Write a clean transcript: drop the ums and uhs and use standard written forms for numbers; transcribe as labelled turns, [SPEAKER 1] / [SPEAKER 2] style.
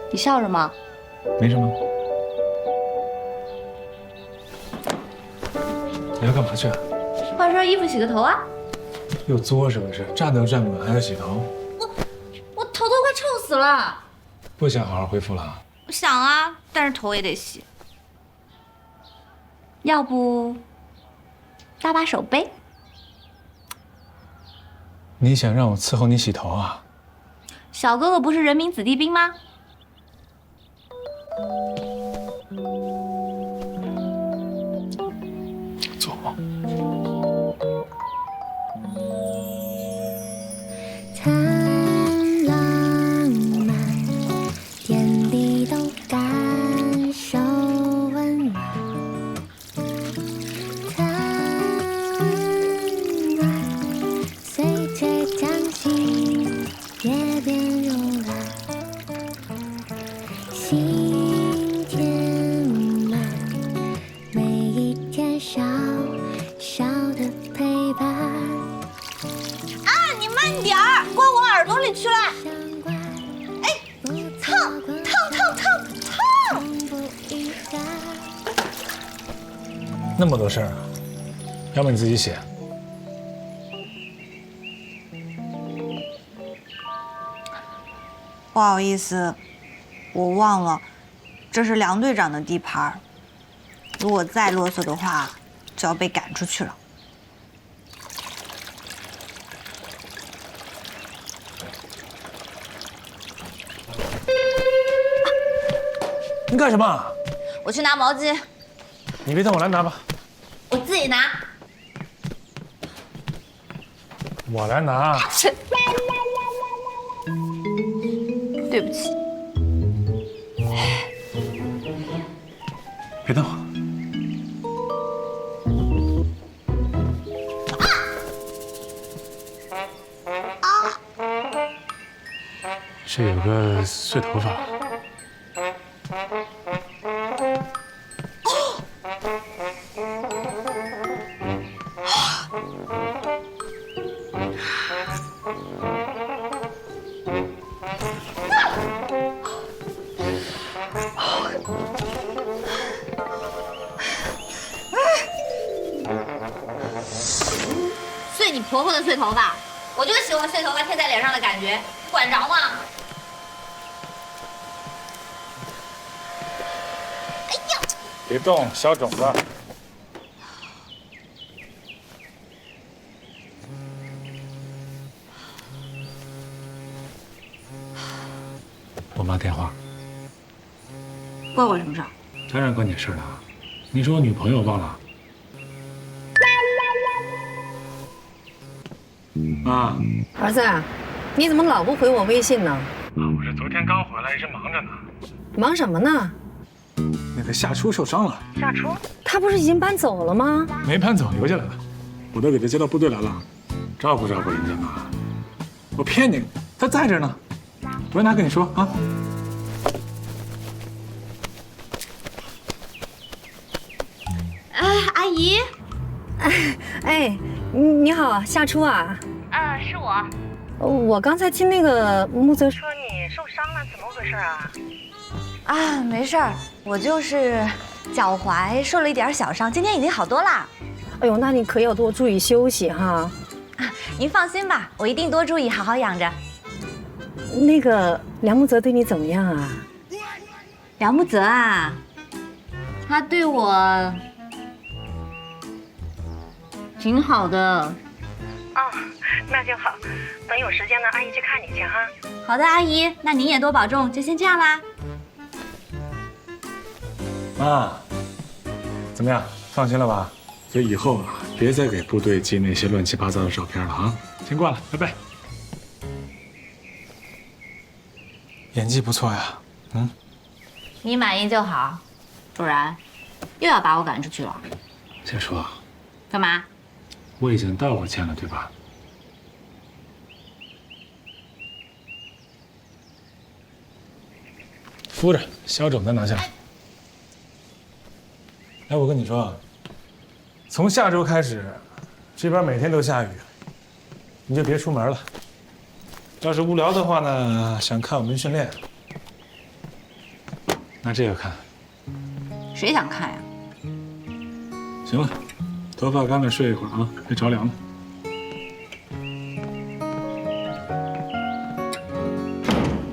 [SPEAKER 1] 你笑什么？
[SPEAKER 2] 没什么。你要干嘛去啊？
[SPEAKER 1] 换身衣服，洗个头啊！
[SPEAKER 2] 又作是不是？站都站不稳，还要洗头？
[SPEAKER 1] 我头都快臭死了。
[SPEAKER 2] 不想好好恢复了？
[SPEAKER 1] 我想啊，但是头也得洗。要不搭把手呗？
[SPEAKER 2] 你想让我伺候你洗头啊？
[SPEAKER 1] 小哥哥不是人民子弟兵吗？
[SPEAKER 2] 坐。
[SPEAKER 3] 谈浪漫，天地都感受温暖。谈爱，随着将近，也变柔软。心填满，每一天小小的陪伴。
[SPEAKER 1] 你慢点儿，刮我耳朵里去了。哎，烫烫烫烫烫！
[SPEAKER 2] 那么多事儿啊？要不你自己写？
[SPEAKER 4] 不好意思，我忘了，这是梁队长的地盘，如果再啰嗦的话，就要被赶出去了。
[SPEAKER 2] 你干什么？
[SPEAKER 1] 我去拿毛巾，
[SPEAKER 2] 你别动，我来拿吧。
[SPEAKER 1] 我自己拿。
[SPEAKER 2] 我来拿。
[SPEAKER 1] 对不起。
[SPEAKER 2] 别动。这有个碎头发。
[SPEAKER 1] 碎你婆婆的碎头发，我就喜欢碎头发贴在脸上的感觉，管着吗？哎呀！
[SPEAKER 2] 别动，小种子。我妈电话，
[SPEAKER 1] 关我什么事儿？
[SPEAKER 2] 当然关你事了。你是我女朋友，忘了？妈，
[SPEAKER 5] 儿子，你怎么老不回我微信呢？
[SPEAKER 2] 我是昨天刚回来，一直忙着呢。
[SPEAKER 5] 忙什么呢？
[SPEAKER 2] 那个夏初受伤了。
[SPEAKER 5] 夏初？他不是已经搬走了吗？
[SPEAKER 2] 没搬走，留下来了。我都给他接到部队来了，照顾照顾人家嘛。我骗你，他在这呢。我让他跟你说啊。
[SPEAKER 1] 阿姨。
[SPEAKER 5] 哎，你好，夏初啊。
[SPEAKER 1] 是我。
[SPEAKER 5] 我刚才听那个木泽说你受伤了，怎么回事啊？
[SPEAKER 4] 啊，没事儿，我就是脚踝受了一点小伤，今天已经好多啦。
[SPEAKER 5] 哎呦，那你可要多注意休息哈。
[SPEAKER 4] 您放心吧，我一定多注意，好好养着。
[SPEAKER 5] 那个梁木泽对你怎么样啊？
[SPEAKER 1] 梁木泽啊，他对我挺好的。
[SPEAKER 5] 哦，那就好。等有时间呢，阿姨去看你去哈。
[SPEAKER 1] 好的，阿姨，那您也多保重，就先这样啦。
[SPEAKER 2] 妈，怎么样？放心了吧？所以以后啊，别再给部队寄那些乱七八糟的照片了啊！先挂了，拜拜。演技不错呀，
[SPEAKER 1] 你满意就好，不然又要把我赶出去了。
[SPEAKER 2] 再说，
[SPEAKER 1] 干嘛？
[SPEAKER 2] 我已经道过歉了，对吧？敷着，消肿再拿下来。哎，我跟你说，从下周开始，这边每天都下雨，你就别出门了。要是无聊的话呢，想看我们训练， 拿这个看。
[SPEAKER 4] 谁想看呀？
[SPEAKER 2] 行了，头发干了睡一会儿啊，别着凉了。